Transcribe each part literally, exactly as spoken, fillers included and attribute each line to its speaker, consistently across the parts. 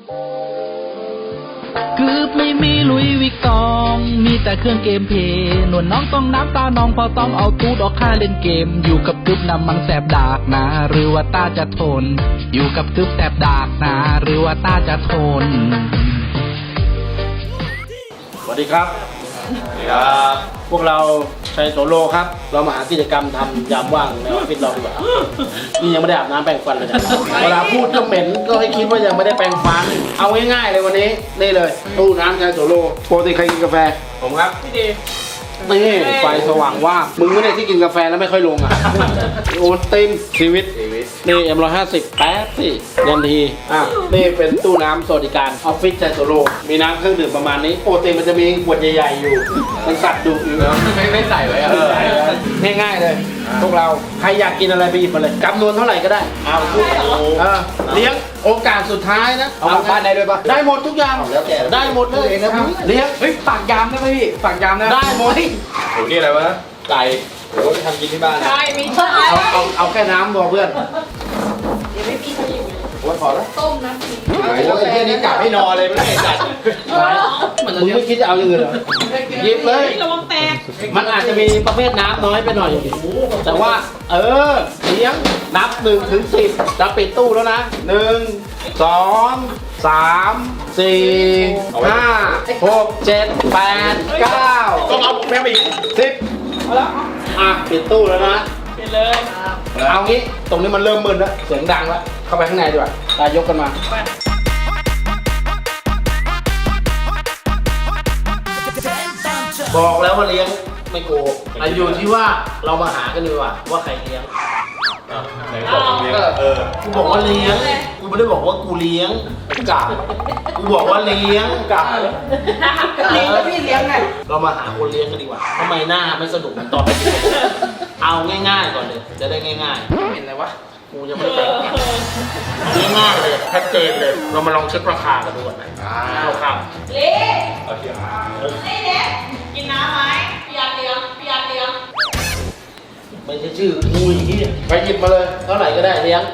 Speaker 1: กึบไม่มีลุยวิกตองมีแต่เครื่องเกมเพย์หนวดน้องต้องน้ำตาน้องพอต้องเอาตูดออกค่าเล่นเกมอยู่กับกึบนำมังแสบดากนะหรือว่าตาจะทนอยู่กับกึบแสบดากนะหรือว่าตาจะทน
Speaker 2: สวัสดีครับสวัสดีครับพวกเราชัยโสโลครับเรามาหากิจกรรมทำยามว่างในออฟฟิศเราดีกว่านี่ยังไม่ได้อาบน้ำแปรงฟันเลยนะเวลาพูดก็เหม็นก็ให้คิดว่ายังไม่ได้แปรงฟันเอาง่ายๆเลยวันนี้นี่เลยตู้น้ำชัยโสโลปกติใครกินกาแฟผมครับพี่ดีนี่ไฟสว่างว่ามึงไม่ได้ที่กินกาแฟแล้วไม่ค่อยลงอ่ะโอนติมชีวิตนี่เอ็มร้อยห้าสิบแป๊บสิยันทีอ่ะนี่เป็นตู้น้ำสวัสดิการออฟฟิศชัยโสโลมีน้ำเครื่องดื่มประมาณนี้โปรตีนมันจะมีขวดใหญ่ๆอยู่มันสัตว์ดุอยู่แล้วไม่ไม่ใส่ไว้อะง่ายๆเลยพวกเราใครอยากกินอะไรไปหยิบมาเลยจำนวนเท่าไหร่ก็ได้เอาพูดเออเลี้ยงโอกาสสุดท้ายนะเอาบ้านได้ด้วยปะได้หมดทุกอย่างได้หมดเลยเลี้ยงเฮ้ยฝากยามได้ไหมพี่ฝากยามได้ได้หมดโหนี่อะไรวะไก่โหไปทำกินที่บ้านใช่มีใช่เอาเอาเอาแค่น้ำพอเพื่อน
Speaker 3: เดี๋ยวไม่มีเขาอยู่
Speaker 2: โอ้ยพอแล้ว
Speaker 3: ต้มน้ำพริก
Speaker 2: โอ้ยไอ้เหี้ยนี้กลับไม่นอนเลยไม่ได้จัดมึงไม่คิดจะเอาอย่างอื่นเหรอหยิบเลย
Speaker 3: ระวังแตก
Speaker 2: มันอาจจะมีประเภทน้ำน้อยไปหน่อยแต่ว่าเออเลี้ยงนับหนึ่งถึงสิบจะปิดตู้แล้วนะหนึ่งสองสามสี่ห้าหกเจ็ดแปดเก้าต้องเอาแม่ไปอีกสิบอ่ะปิดตู้แล้วนะ
Speaker 3: ปิดเลย
Speaker 2: เอางี้ตรงนี้มันเริ่มมึนแล้วเสียงดังแล้วเข้าไปข้างในดีกว่าตายยกกันมาบอกแล้วว่าเลี้ยงไม่โกงอาอยู่ที่ว่าเรามาหากันดีกว่าว่าใครเลี้ยงไหนบอกเลี้ยงเออกูบอกว่าเลี้ยงกูไม่ได้บอกว่ากูเลี้ยงกากูบอกว่าเลี้ยงกา
Speaker 3: เลี้ยงแล้วพี่เลี้ยงไง
Speaker 2: เรามาหาคนเลี้ยงกันดีกว่าทำไมหน้าไม่สนุกตอนเอาง่ายๆก่อนเลยจะได้ง่ายๆเห็นอะไรวะกูยังไม่ได้แปลงง่ายๆเลยชัดเจนเลยเรามาลองเช็คราคากันดูก่อนนะราคา
Speaker 3: เลี้ยงนี่เลี้ยงกินน้ำไหมพี่ยาเลี้ยงพี่ยาเลี้ยง
Speaker 2: ไม่ใช่ชื่อกูอย่างนี้ไปหยิบมาเลยเท่าไหร่ก็ได้เลี้ยง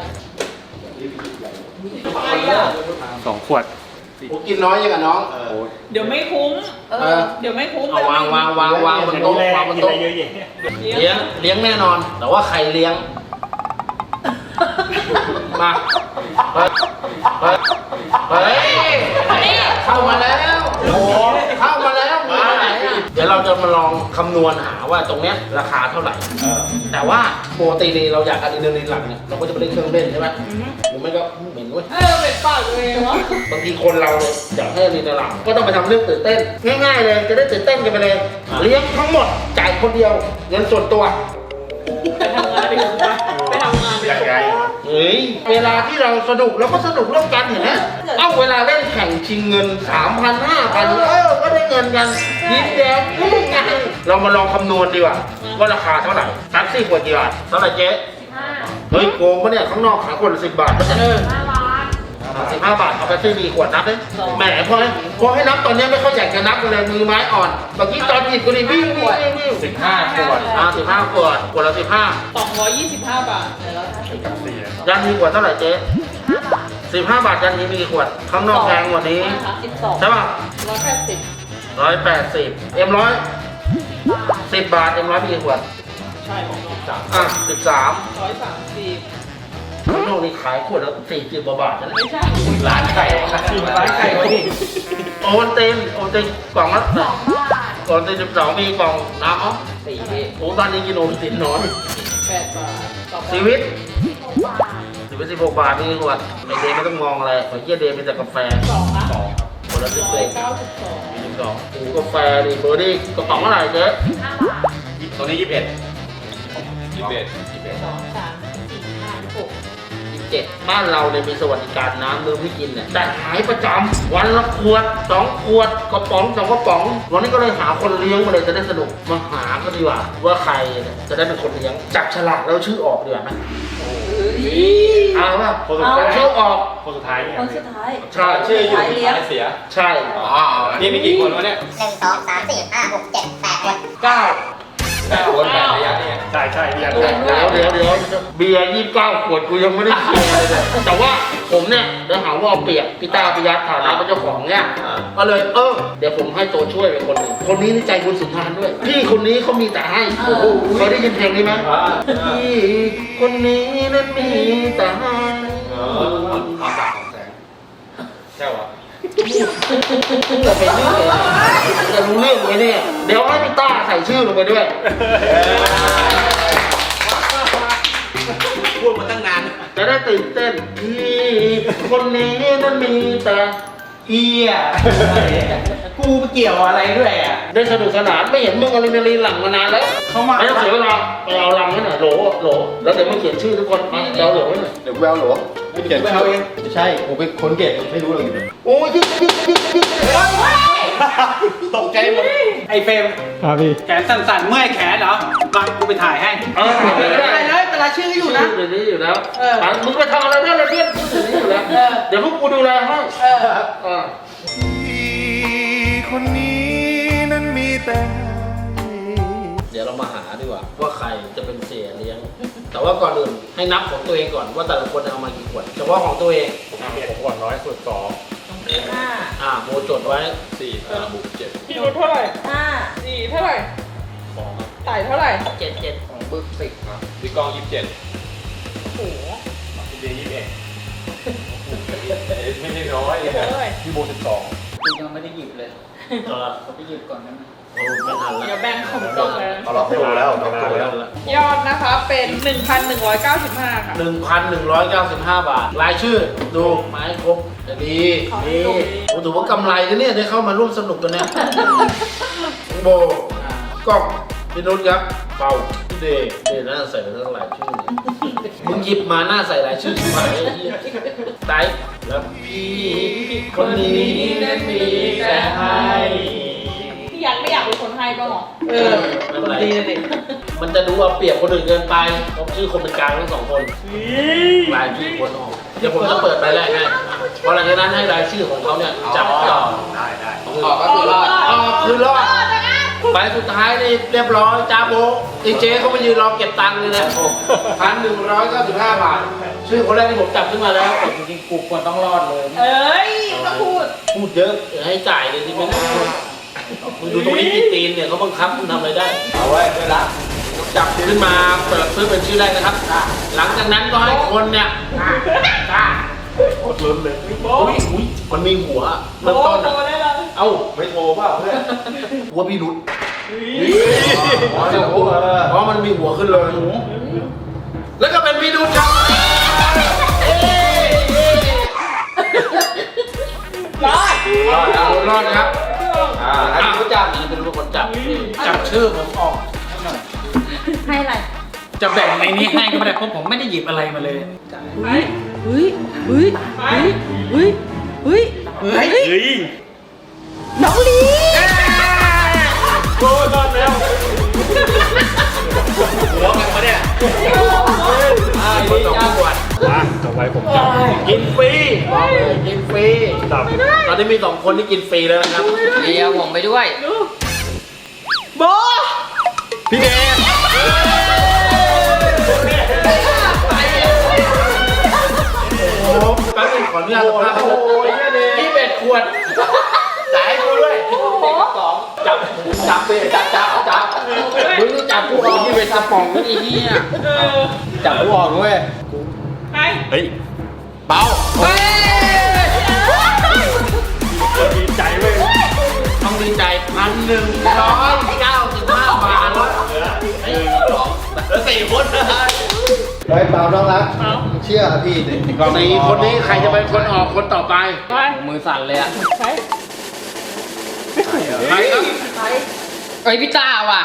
Speaker 4: สองขวด
Speaker 2: กูกินน้อยยังกับน้อง
Speaker 3: เดี๋ยวไม่คุ้มเดี๋ยวไม่คุ้ม
Speaker 2: เอาวางวางวางวางบนโต๊ะวางบนโต๊ะเลี้ยงเลี้ยงแน่นอนแต่ว่าใครเลี้ยงมาเฮ้ยเฮ้ยเข้ามาแล้วโอ้เข้ามาแล้วมาไหนเดี๋ยวเราจะมาลองคำนวณหาว่าตรงเนี้ยราคาเท่าไหร่แต่ว่าปกติเราอยากอะดรีนาลีนหลังเนี่ยเราก็จะไปเล่นเครื่องเล่นใช่ไหมหรือไม่ก็เหม็นเว้ย
Speaker 3: เออเป็นปากเลยวะ
Speaker 2: บางทีคนเราเนี่ยอยากให้อะดรีนาลีนหลังก็ต้องไปทำเรื่องตื่นเต้นง่ายๆเลยจะได้ตื่นเต้นกันไปเลยเลี้ยงทั้งหมดจ่ายคนเดียวเงินส่วนตัว
Speaker 3: ไปทำงานไปถึงปะไปทำงานไป
Speaker 2: ยังไงเฮ้ยเวลาที่เราสนุกเราก็สนุกร่วมกันเห็นไหมเอ้าเวลาเล่นแข่งชิงเงิน สามพัน ห้าพัน เออก็ได้เงินกันยิ้มแย้มง่ายเรามาลองคำนวณดีกว่าว่าราคาเท่าไหร่แท็กซี่ขวดกี่บาทเท่าไหร่เจ๊เฮ้ยโกงปะเนี่ยข้างนอกขายขวดละสิบบาทก็จะเออสิบห้าบาทเอาไปซื้อมีขวดนับเลยแหมพอพอให้นับตอนนี้ไม่ค่อยอยากจะนับเลยมือไม้อ่อนเมื่อกี้ตอนหยิบกูนี่วิ่งวิ่งวิ่งวิ่งสิบห้าขวดอ่าสิบห้าขวดขวดละสิบห้า
Speaker 3: สองร้อยยี่สิบห้าบาท
Speaker 2: ยันมีขวดเท่าไหร่เจ๊สิบห้าบาทยันมีมีกี่ขวดข้างนอกแพงกว่านี้ใช่ป่ะ
Speaker 3: ร้อยแปดสิบ
Speaker 2: ร้อยแปดสิบเอ็มร้อยสิบบาทเอ็มร้อยมีกี่ขวด
Speaker 3: ใช่ของน้องจ๋า
Speaker 2: อ่ะสิบสาม
Speaker 3: ร้อยสามสิบ
Speaker 2: ข้างนอกนี่ขายขวดละสี่สิบบาทนะ
Speaker 3: ไม่ใช่
Speaker 2: ร้านไก่ร้านไก่วะนี่โอนเต็มโอนเต็มกล่องละกล่องเต็มสิบสองมีกล่องน้ำอ๋อสี่โอ้ตอนนี้กินโอนติดนอน
Speaker 3: แปดบาท
Speaker 2: ชีวิตชีวิตสิบหกบาทนี่ขวดไอเดย์ไม่ต้องมองอะไรขอเยี่ยเดย์เป็นแต่กาแฟ
Speaker 3: สองนะ
Speaker 2: สองคนละสิบเอ็ด
Speaker 3: เก้าสิบสอง
Speaker 2: มีสิบสองโอ้กาแฟดิเบอร์ดี้กระป๋องเท่าไหร่เจ๊ตรงนี้ยี่สิบเอ็ดยี่สิบเอ็ดยี่สิบเอ็ด
Speaker 3: สองสามสี่ห้าหก
Speaker 2: เจ็ดบ้านเราเนี่ยมีสวัสดิการน้ำดื่มให้กินเนี่ยแต่หายประจำวันละขวดสองขวดกระป๋องสองกระป๋องวันนี้ก็เลยหาคนเลี้ยงมาเลยจะได้สนุกมาหาก็ดีกว่าว่าใครจะได้เป็นคนเลี้ยงจับฉลากแล้วชื่อออกดีกว่าไหมเอาป่ะคนสุดท้ายชื่อออก
Speaker 4: คนสุดท้าย
Speaker 3: คนสุดท้าย
Speaker 2: ใช่ชื่ออยู่
Speaker 4: สุดท้ายเสีย
Speaker 2: ใช่
Speaker 4: อ๋อนี่มีกี่คนวะเนี่ย
Speaker 5: หนึ่งสองสามสี่ห้าหกเจ็ดแปดคน
Speaker 2: เก้า
Speaker 4: วนแบบระยะเนี่ยใช่ใช่ระยะ
Speaker 2: เดี๋ยวเดี๋ยวเดี๋ยวเบียร์ยี่สิบเก้าขวดกูยังไม่ได้เคลียร์เลยเนี่ยแต่ว่าผมเนี่ยเดี๋ยวหาว่าเอาเปรียบพี่ตาพิยัตฐานะเป็นเจ้าของเนี่ยก็เลยเออเดี๋ยวผมให้ตัวช่วยไปคนหนึ่งคนนี้นี่ใจบุญสุนทานด้วยพี่คนนี้เขามีแต่ให้โอ้โหเคยได้ยินเพลงนี้ไหมพี่คนนี้นั้นมีแต่ให้
Speaker 4: ความสาของแสงใช่หรอ
Speaker 2: จะไปเรื่องจะรู้เรื่องไหมเนี่ยเดี๋ยวให้พี่ต้าใส่ชื่อลงไปด้วย
Speaker 4: พูดมาตั้งนาน
Speaker 2: จะได้ตื่นเต้นพี่คนนี้นั้นมีแต่เฮีย
Speaker 5: กูไปเกี่ยวอะไรด้วยอ่ะ
Speaker 2: ได้สนุกสนานไม่เห็นมึงอะไรนาลีหลังมานานแล้ว
Speaker 5: เขามา
Speaker 2: ไม่ต้องเสียเวลาไปเอาลังไว้หน่อยโหลโหลแล้วเดี๋ยวมึงเขียนชื่อทุกคนมาเดี๋ยวโหลไว้หน่อย
Speaker 6: เดี๋ยวแววหรอไม่เขียนชื่อเองไม่ใช่ผมเป็นคนเก็บไม่รู้เลยอยู่
Speaker 2: โอ้ยยิงยิงยิงยิง
Speaker 5: ตกใจหมดไอ้เฟรม
Speaker 4: ครับพี่
Speaker 5: แขนสั่นๆเมื่อยแขนเหรอมากูไปถ่ายให้
Speaker 2: เออ
Speaker 3: อะไรเลยแต่ละชื่ออยู่นะ
Speaker 2: เดี๋ยวนี้อยู่แล้ว
Speaker 3: เออ
Speaker 2: อ่ะมึงไปทำอะไรได้เลยเพื่อนชื่อเดี๋ยวนี้อยู่แล้วเดี๋ยวพวกกูดูแลให้
Speaker 3: เออ
Speaker 2: เออ
Speaker 6: คนนี้นั้นมีแต่
Speaker 2: เดี๋ยวเรามาหาดีกว่าว่าใครจะเป็นเสียเลี้ยง แต่ว่าก่อนอื่นให้นับของตัวเองก่อนว่าแต่ละคนเอามากี่ขวดเฉพาะของตัวเอง
Speaker 4: ผมก่อนน้อยสุดสอง
Speaker 3: ห้า
Speaker 2: อ่าโมจดไว้
Speaker 4: สี่ห้าบุกเจ็ด
Speaker 3: พี่นุชเท่าไหร่ห้าสี่เท่าไหร่
Speaker 4: สอง
Speaker 3: ไต่เท่าไหร่
Speaker 2: เจ็ดเจ็ด
Speaker 6: ของบึกสิบครับ
Speaker 4: พี่กองยี่สิบเจ็ด
Speaker 3: โอ้โห
Speaker 4: พี่เบียร์ยี่สิบเอ็ดไม่ใช่น้อยเลย
Speaker 3: เฮ้ย
Speaker 4: พี่โบสิบสอง
Speaker 5: กูยังไม่ได้หยิบเลย
Speaker 2: เออ
Speaker 5: ไปหยิบก่อนนะ
Speaker 2: โอ้ไม่ทันละ
Speaker 3: เดี๋ยวแบ่งของตรงเลยนะ
Speaker 6: เอาล็อกตัวแล้วล็อกตัวแล้ว
Speaker 3: ยอดนะคะเป็น หนึ่งพันหนึ่งร้อยเก้าสิบห้า ค่ะ
Speaker 2: หนึ่งพันหนึ่งร้อยเก้าสิบห้าบาท รายชื่อดูไม้ครบจะดี
Speaker 3: ขอให้
Speaker 2: ดี
Speaker 3: ดู
Speaker 2: โอ้ถือว่ากำไรนะเนี่ยได้เข้ามาร่วมสนุกกันเนี่ยโบกล้องพี่นุชครับเป่าพี่เดย์เดย์น่าใส่ไปทั้งหลายชื่อเนี่ยมึงหยิบมาหน้าใส่หลายชื่อชิบหายไอ้เหี้ยไตแล้วพี่คนนี้นั้นมีแต่ให้
Speaker 3: พี่ยันไม่อยากเป็นคนให้บ้างเหรอ
Speaker 2: เออไม่เป็นไรมันจะดูเอาเปรียบคนอื่นเกินไปเพราะชื่อคนเป็นกลางทั้งสองคนรายชื่อคนออกเดี๋ยวผมจะเปิดไปแรกให้เพราะหลังจากนั้นให้รายชื่อของเขาเนี่ยจับต่อ
Speaker 4: ได้ได้
Speaker 6: ออกก็คือรอด
Speaker 2: ออกคือรอดไปสุดท้ายนี่เรียบร้อยจ้าโบดีเจเขามายืนรอเก็บตังค์เลยนะพันหนึ่งร้อยเก้าสิบห้าบาทชื่อคนแรกที่ผมจับขึ้นมาแล้ว
Speaker 5: จริงๆกูควรต้องรอดเลย
Speaker 3: เอ้ยมาพูด
Speaker 2: พูดเยอะเดี๋ยวให้จ่ายเลยที่ไม่ได้มึงดูตรงนี้กี่ตีนเนี่ยเขาบังคับมึงทำอะไรได้
Speaker 6: เอาไว้เวลา
Speaker 2: จับขึ้นมาเปิดซื้อเป็นชื่อแรกนะครับ หลังจากนั้นก็ให้คนเนี่ยกล้าโคตรล้นเลยอุ้ยอุ้ยมันมีหัวเริ่มต้น
Speaker 3: โต
Speaker 2: อะ
Speaker 3: ได้เลย
Speaker 2: เอ้า
Speaker 6: ไม่โทรเปล่าเพื่อน
Speaker 2: หัวพี่นุช
Speaker 6: อ๋อเดี๋ยวเออ
Speaker 2: เพราะมันมีหัวขึ้นเลยแล้วก็เป็นพี่นุชครับเอ้ย
Speaker 3: รอด
Speaker 2: รอดครับรอดครับ
Speaker 6: อ่าอันนี้รู้จัก
Speaker 2: นี่เป็นคนจับจับชื่อผมออก
Speaker 3: ให้อะไร
Speaker 5: จะแบ่งในนี้ให้ก็ไม่ได้เพราะผมไม่ได้หยิบอะไรมาเลย
Speaker 3: ไป
Speaker 7: เฮ้ยเฮ้ย
Speaker 3: ไป
Speaker 7: เฮ้ยเฮ้ย
Speaker 5: เฮ้ย
Speaker 4: เฮ้ย
Speaker 7: น้องลี
Speaker 4: โบรอดแล้วหัวกันมาเนี่ย
Speaker 2: อ่าคนสองขวด
Speaker 4: มาต่อไปผมจับ
Speaker 2: กินฟรีบอกเลยกินฟรี
Speaker 4: จับ
Speaker 2: ตอนนี้มีสองคนที่กินฟรีแล้วนะครับ
Speaker 7: เดี๋ยวผมไปด้วย
Speaker 3: โบ
Speaker 4: พี่เดช
Speaker 2: โอ้โหแป๊บนึงขออนุญาตสัมภาษณ์ครับพี่เบ็ดขวดจ่ายให้กูด้วยสองจับจับเบ็ดจับจับจับมึงนี่จับกูออกพี่เบ็ดกระป๋องนี่ไอ้เหี้ย
Speaker 3: เออ
Speaker 6: จับกูออกด้วย
Speaker 3: ไป
Speaker 4: เฮ้ย
Speaker 2: เบา
Speaker 4: ดีใจเว้ย
Speaker 2: ต้องดีใจพันหนึ่งร้อยเก้าสิบห้าบาทแล้วไอ้สองแล้วสี่คนนะ
Speaker 6: เฮ้ยเปล่าน้องรักเชื่อพี่ดิ
Speaker 2: สี่คนนี้ใครจะเป็นคนออกคนต่อไป
Speaker 3: ไป
Speaker 5: มือสั่นเลยอ่ะ
Speaker 3: ไป
Speaker 2: ใครครับ
Speaker 7: เอ้ยพี่ต้าว่ะ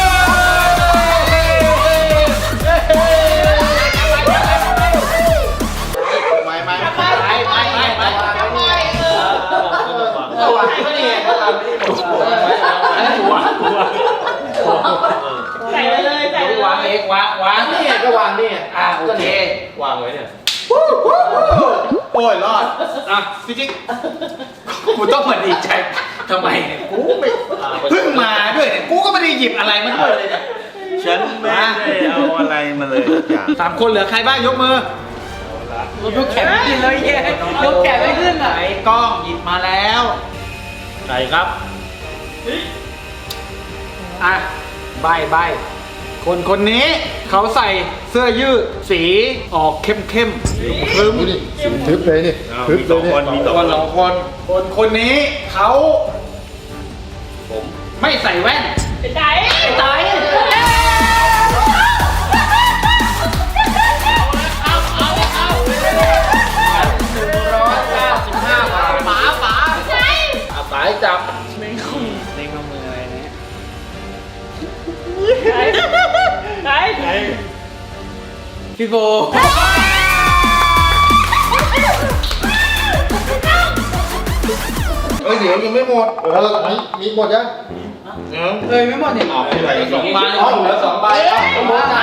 Speaker 6: ไม่ไม่
Speaker 3: ไปไปไปไปไปเออ
Speaker 2: เอาวะไม่ได้เขาทำไม่ได้ผมอันนี้หัวหัว
Speaker 3: ใส่ไปเลยใส่ไปเล
Speaker 2: วาง
Speaker 3: ย
Speaker 2: เองวางวางนี่ก็วางนี่อ่ะโอเคว
Speaker 4: างไว้เนี่ย
Speaker 6: โอ้ยรอด
Speaker 2: อ่ะพี่จิ๊ก
Speaker 5: กูต้องมาดีใจทำไมเนี่ยกูไม่
Speaker 2: อ่ะ
Speaker 5: เพิ่งมาด้วยเนี่ยกูก็ไม่ได้หยิบอะไรมาด้วยเลยเนี่ยฉันไม่ได้เอาอะไรมาเลยทุกอย่าง
Speaker 2: สามคนเหลือใครบ้างยกมือ
Speaker 7: ยกแขนไม่ขึ้นเลยเย้ยกแขนไม่ขึ้นอ่ะ
Speaker 2: ไอ้กล้องหยิบมาแล้วใช่ครับอ่ะใบใบคนคนนี้เขาใส่เสื้อยืดสีออกเข้มเข้มๆครึ้ม
Speaker 6: ดูดิทึบเลยนี่ทึบ
Speaker 5: มี
Speaker 6: เล
Speaker 5: สอย ง
Speaker 6: เนี่ย
Speaker 5: คนมีสอง
Speaker 2: ค
Speaker 5: คน น
Speaker 2: สองคน คนคนนี้เขา
Speaker 5: ผม
Speaker 2: ไม่ใส่แว่น
Speaker 3: เป็นไง
Speaker 2: ไอ้ไต ร้อยเก้าสิบห้าบาท
Speaker 7: หมาหมา
Speaker 2: อาสายจับ
Speaker 3: ไหนไหน
Speaker 7: พี่โบ
Speaker 6: เอ้ยเดี๋ยวยังไม่หมดเออมีมีหมดยัง
Speaker 7: เอ้ยไม่หมดเนี่ย
Speaker 5: เอาไปใส่
Speaker 2: สองใบ
Speaker 6: อ๋อเหลือสองใบอ่ะเอาหมดนะ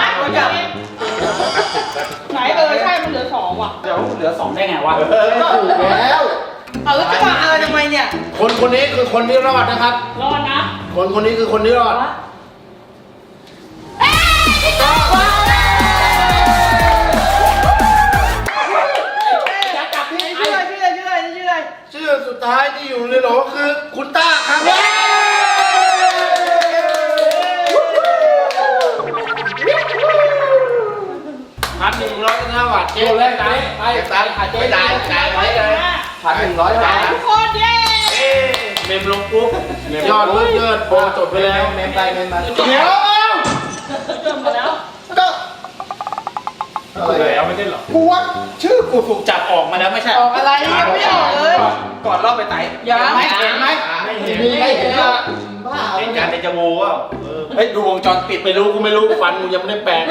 Speaker 3: ไหนเออใช่มันเหลือสองว่ะ
Speaker 2: เดี๋ยวเหลือสองได้ไงวะ
Speaker 6: เออถูกแล้ว
Speaker 7: เอาแล้วจะมาเออทำไมเนี่ย
Speaker 2: คนคนนี้คือคนที่รอดนะครับ
Speaker 3: รอดนะ
Speaker 2: คนคนนี้คือคนที่รอด
Speaker 7: ชื่ออะไรชื่ออะไรชื่ออะไรชื่ออะไร
Speaker 2: ชื่อสุดท้ายที่อยู่ในโหลคือคุณต้าครับพันหนึ่งร้อยห้าบาทเจ๊เลยไปไปไปเจ๊จ่ายจ่ายไว้เลยพันหนึ่งร้อยบาท
Speaker 3: ทุกคนเย้
Speaker 2: เมมลงปุ๊บยอดเลิศเลิศโปรจบไปแล้วเมมไปเมมมาเดี๋ยว
Speaker 3: เติมมาแล้ว
Speaker 2: ก็
Speaker 6: อะไร
Speaker 2: แล้วไม่ได้หรอกูว่าชื่อกูถูกจับออกมาแล้วไม่ใช่
Speaker 7: ออกอะไรยังไม่ออกเลย
Speaker 2: ก่อนรอบไปไต่
Speaker 7: ยัง
Speaker 2: เห็นไหมเห็นไหม
Speaker 5: ไม่เห็น
Speaker 6: มีไม่เห็นว่าบ้า
Speaker 5: เล่นการในจมูกว่าเออ
Speaker 2: เฮ้ยดูวงจรปิดไม่รู้กูไม่รู้ฟันกูยังไม่ได้แปลง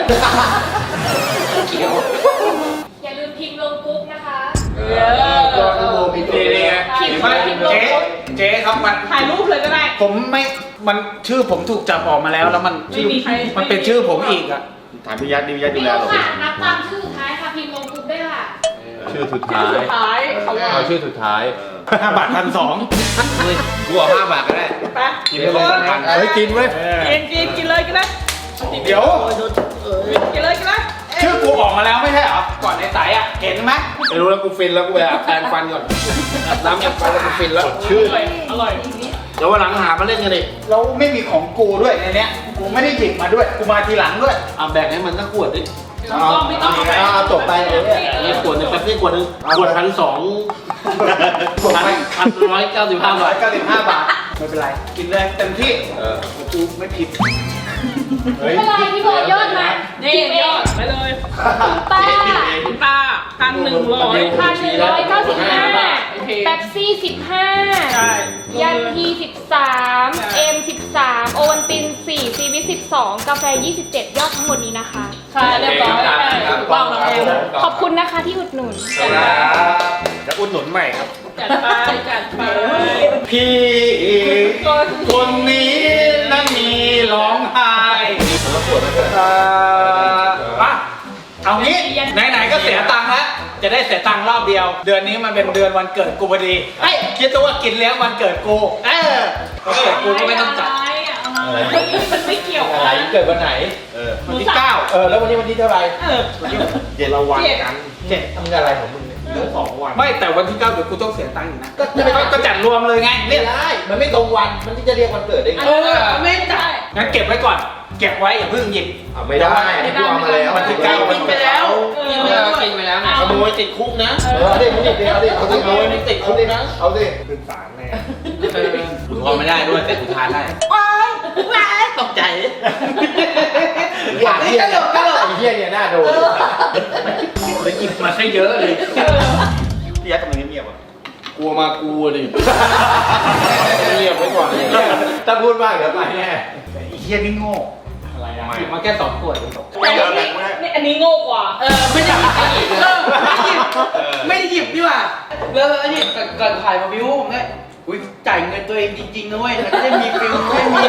Speaker 8: อย่าลืมพิมพ์ลงกรุ๊ปนะคะ
Speaker 6: ยอดโมมีตัว
Speaker 2: นี่
Speaker 6: เดี
Speaker 2: ไง
Speaker 6: ยว
Speaker 3: พิมพ์
Speaker 2: ไม่
Speaker 3: พิมพ์ลง
Speaker 2: เจ๊
Speaker 3: กรุ๊ป
Speaker 2: เจ๊ครับมัน
Speaker 3: ถ่ายรูปเลยก็ได้
Speaker 2: ผมไม่มันชื่อผมถูกจับออกมาแล้วแล้วมัน
Speaker 3: ไม่มีใคร
Speaker 2: มันเป็นชื่อผมอีกอ่ะ
Speaker 5: ถามพี่ยัดดิพี่ยัดดู
Speaker 8: ไม่
Speaker 5: แล
Speaker 8: รู้
Speaker 5: เรา
Speaker 8: ค่ะ นับตามชื่อสุดท้ายค่ะ พิมพ์ลงกรุ๊ปด้วยค่ะ
Speaker 5: ชื่อสุด
Speaker 3: ชื่
Speaker 5: ท้า
Speaker 3: อย สุดท้ายเขาว่า
Speaker 6: เอาชื่อสุดท้าย
Speaker 2: ห้าบาทพันสอง
Speaker 5: กูเอาห้าบาทก็ได้
Speaker 3: ไป
Speaker 5: กินไปเลยพัน
Speaker 6: เฮ้ยกินเว้ย
Speaker 3: กินกินกินเลยกินเลย
Speaker 2: เดี๋ยว
Speaker 3: กินเลยกินเลย
Speaker 2: ชื่อกูออกมาแล้วไม่ใช่เหรอก่อนในสายอ่ะเห็นไหมไม่รู้แล้วกูฟินแล้วกูไปอาบแปรงฟันก่อนอาบน้ำแปรงฟันแล้วกูฟินแล้ว
Speaker 6: ชื่อ
Speaker 3: อร่อยอร่อย
Speaker 2: เดี๋ยววันหลังหามาเล่นกันดิแล้วไม่มีของกูด้วยในเนี้ยกูไม่ได้หยิบมาด้วยกูมาทีหลังด้วยเอาแบ่งให้มันสักขวดดิ
Speaker 3: ไม่ต้องไม่ต้อง
Speaker 6: เอาจบไปเลยเนี่ย
Speaker 2: นี่ขวดหนึงแป๊บนี่ขวดหนึงขวดพันสองพันพันร้อยเก้าสิบห้าบาทเก้าสิบห้าบาทไม่เป็นไรกินเลยเต็มที่เออกูไม่ผิด
Speaker 6: เฮ้ย
Speaker 8: ไม่เป็นไรพี่โบยอดมา
Speaker 3: นี่
Speaker 8: พิมพ์เอย
Speaker 3: อง ดไปเลย
Speaker 8: ป้า
Speaker 3: คุณตาพันหนึ่งร้อย
Speaker 8: พันหนึ่งร้อยเก้าสิบห้า
Speaker 3: โอเค
Speaker 8: แป๊บซี่สิบห้า
Speaker 3: ใช่
Speaker 8: ยันทีสิบสามเอ็มสิบสามโอวันตินสี่ซีวิสิบสองกาแฟยี่สิบเจ็ดยอดทั้งหมดนี้นะคะ
Speaker 3: ค่ะเรียบร้อยถูกต้องแล้ว
Speaker 8: ขอบคุณนะคะที่อุดหนุน
Speaker 5: จะอุดหนุนใหม่ครับ
Speaker 3: จัดไปจัดไป
Speaker 2: พี่คนนี้นั้นมีร้องไห้เอ่ออ่ะเอางี้ไหนๆก็เสียตังค์แล้วจะได้เสียตังค์รอบเดียว เดือนนี้มันเป็นเดือนวันเกิดกูพอดีเฮ้ยคิดตัวว่ากินเลี้ยงวันเกิดกูเออวันเกิดกูก็ไม่ต้องจัด
Speaker 3: อะไรมันไม่เกี่ยว
Speaker 6: ไหนเกิดวันไหน
Speaker 5: เออ
Speaker 2: วันที่เก้า
Speaker 6: เออแล้ววันนี้วันที่เท่าไหร่
Speaker 3: เออ
Speaker 5: เย็นละวันกัน
Speaker 2: เจ็ด
Speaker 6: ทำงานอะไรของมึงเนี่ยเหลือสองวัน
Speaker 2: ไม่แต่วันที่เก้าเดี๋ยวกูต้องเสียตังค์อีกนะก็ก็ก็จัดรวมเลยไง
Speaker 6: ไม่ได้ มันไม่ตรงวัน มันที่จะเรียกวันเกิดได้ไง
Speaker 3: เออไม่ได้
Speaker 2: งั้นเก็บไว้ก่อน เก็บไว้อย่าเพิ่งหยิบ
Speaker 6: อ่ะไม่ได้อันนี้กูเอามาแล้ว
Speaker 2: วันที่เก้า
Speaker 3: กินไปแล้ว
Speaker 7: กินไปแล้วกินไปแล้วนะ
Speaker 2: ขโมยติดคุกนะ
Speaker 6: เออเอาดิมึงหยิบดิเอาดิเอาดิ
Speaker 2: ขโมยนี่ติดคุกนะ
Speaker 6: เอาดิ
Speaker 2: อุทธรณ์ไม่ได้ด้วยแต่อุทานได้
Speaker 3: ว้ายว้ายตกใจ
Speaker 6: อยากเฮียเนี่ยไอ้เฮียเนี่ยน่าโดน
Speaker 2: เลยหยิบมาให้เยอะเลย
Speaker 5: พี่ยัดทำไมเงียบๆอ่ะ
Speaker 2: กลัวมากูดิเรียบไว้ก่อนเลย
Speaker 6: ถ้าพูดมากเดี๋ยวไปแน่
Speaker 2: ไอ้เฮียนี่โง่อะไรอ่ะหยิบมาแค่สองขวดเอง
Speaker 3: แต่อันนี้นี่อันนี้โง่กว่า
Speaker 7: เออไม่ได้หยิบเออไม่ได้หยิบไม่ได้หยิบดีกว่าแล้วแล้วนี่ก่อนก่อนถ่ายมาวิวผมเนี่ยอุ้ยจ่ายเงินตัวเองจริงๆนะเว้ยมันจะได้มีฟิลไม่มี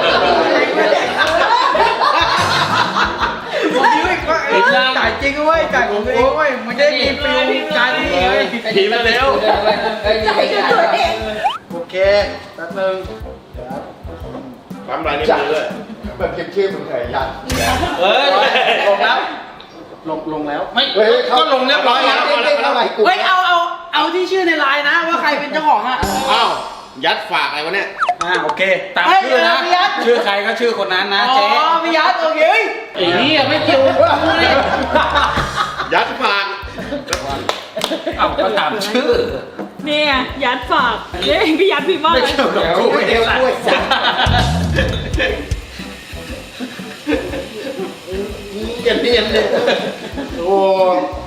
Speaker 7: ผมวิวอีกว่าเอ้ยจ่ายจริงนะเว้ยจ่ายของตัวเองเว้ยมันจะได้มีฟิลการดีเว้ย
Speaker 2: ผีมาเร็ว
Speaker 7: จ่ายกับตัวเอง
Speaker 2: โอเคแป๊บนึง
Speaker 5: ปั๊มลายนิ้วมือด้วย
Speaker 6: แบบเก็บชื่อมึงเหรอยัน
Speaker 5: เฮ้ยลงแล้ว
Speaker 2: ลงลงแล้ว
Speaker 5: ไม่
Speaker 6: เฮ้ย
Speaker 5: ก็ลงเรียบร้อยแล้ว
Speaker 6: เด้งเข้าไปกู
Speaker 7: เฮ้ยเอาเอาเอาที่ชื่อในไลน์นะว่าใครเป็นเจ้าของอ่ะ
Speaker 4: อ้าวยัดฝากอะไรวะเนี่ย
Speaker 5: อ่าโอเคตาม
Speaker 7: เฮ้ย
Speaker 5: ชื่อนะ
Speaker 7: เดี๋ยวพี่ยัด
Speaker 5: ชื่อใครก็ชื่อคนนั้นนะ
Speaker 7: อ๋อ
Speaker 5: เจ๊
Speaker 7: พี่ยัดโอเค
Speaker 2: ไอ้นี่ไม่เกี่ยว
Speaker 4: ยัดฝาก
Speaker 5: เอาก็ตามชื่อ
Speaker 3: นี่ไงยัดฝากเฮ้ยพี่ยัดพี่บ้า
Speaker 5: ไม่เกี่ยวกับกู
Speaker 6: เดี๋ยวกล้วยสัตว์
Speaker 2: เนียนเนียนเลยโอ้